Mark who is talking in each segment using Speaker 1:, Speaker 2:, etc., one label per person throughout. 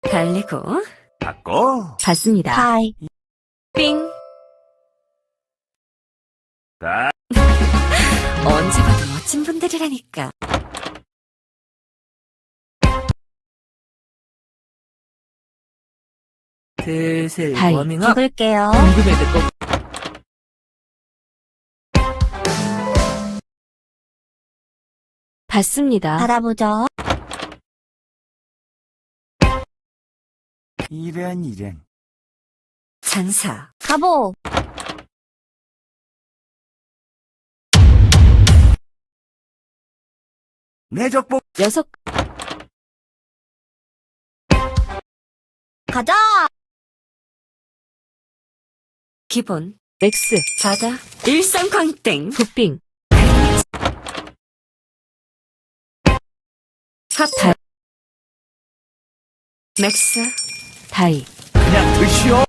Speaker 1: 달리고
Speaker 2: 받고
Speaker 3: 받습니다.
Speaker 4: 다이.
Speaker 1: 삥.
Speaker 2: 다
Speaker 1: 언제 봐도 멋진 분들이라니까. 슬슬
Speaker 3: 다이.
Speaker 1: 워밍업.
Speaker 4: 죽을게요.
Speaker 1: 궁금해도 꼭
Speaker 3: 받습니다.
Speaker 4: 받아보죠.
Speaker 2: 이런
Speaker 1: 장사.
Speaker 4: 가보.
Speaker 2: 내 적복
Speaker 3: 여섯
Speaker 4: 가자.
Speaker 1: 기본.
Speaker 3: 맥스
Speaker 1: 바다. 일상광땡.
Speaker 3: 굿빙
Speaker 1: 핫. 맥스.
Speaker 3: 다이
Speaker 2: 그냥 드시오.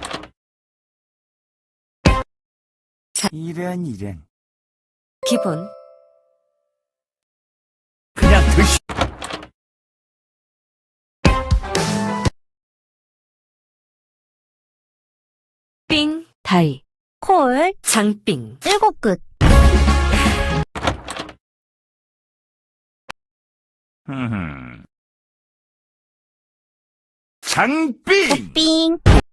Speaker 2: 이런
Speaker 1: 기본.
Speaker 2: 그냥 드시.
Speaker 1: 삥.
Speaker 3: 다이
Speaker 4: 콜.
Speaker 1: 장삥.
Speaker 4: 7끝.
Speaker 2: 장빙.
Speaker 4: 빙.